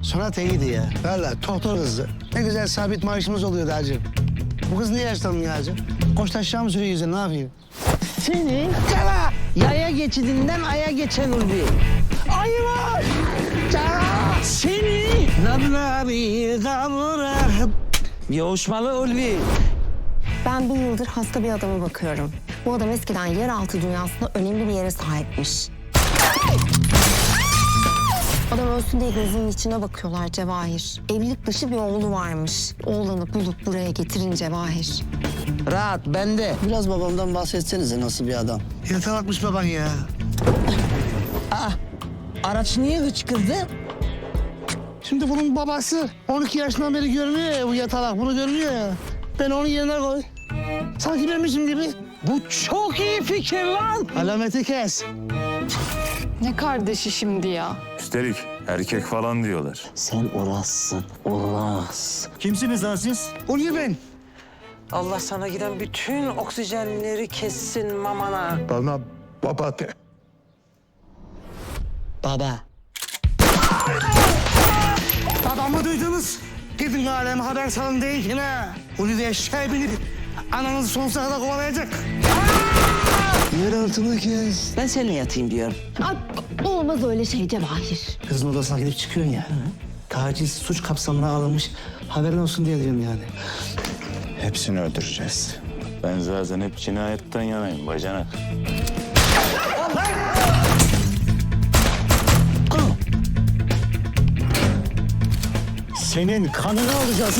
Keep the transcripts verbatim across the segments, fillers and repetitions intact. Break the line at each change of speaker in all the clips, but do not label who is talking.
Sonat iyiydi ya. Vallahi doktor kızdı. Ne güzel sabit maaşımız oluyordu hacı. Bu kız niye yaşlanmıyor hacı? Koş taşağı mı sürüyor yüzüne, ne yapıyor?
Seni
Cala!
yaya geçidinden aya geçen Ulvi.
Ayı var! Cala!
Seni
Nabla bir kavra.
yoğuşmalı Ulvi.
Ben bir yıldır hasta bir adama bakıyorum. Bu adam eskiden yeraltı dünyasında önemli bir yere sahipmiş. Adam ölsün diye gözünün içine bakıyorlar Cevahir. Evlilik dışı bir oğlu varmış. Oğlanı bulup buraya getirin Cevahir.
Rahat bende.
Biraz babamdan bahsetsenize, nasıl bir adam?
Yatalakmış baban ya.
Araç niye hıçkırdı?
Şimdi bunun babası on iki yaşından beri görünüyor ya, bu yatalak bunu görünüyor ya. Ben onun yerine koy. Sanki benmişim gibi.
Bu çok iyi fikir lan.
Alameti kes.
Ne kardeşi şimdi ya?
Üstelik erkek falan diyorlar.
Sen Oras'sın, Oras.
Kimsiniz lan siz?
Oluyor ben.
Allah sana giden bütün oksijenleri kessin mamana.
Bana baba de.
Baba.
Babamı duydunuz. Gidin aleme haber salın deyin ha. Ulu diye şey binip ananızı sonsuza kadar kovalayacak. Yer altını kes.
Ben seninle yatayım diyorum.
Ay, olmaz öyle şey Cevahir.
Kızın odasına gidip çıkıyorsun ya. Taciz suç kapsamına alınmış. Haberin olsun diye diyorum yani.
Hepsini öldüreceğiz. Ben zaten hep cinayetten yanayım bacanak.
Senin kanını alacağız.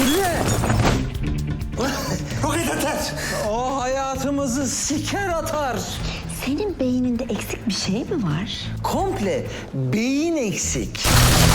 Roket atar.
O hayatımızı siker atar.
Senin beyninde eksik bir şey mi var?
Komple beyin eksik.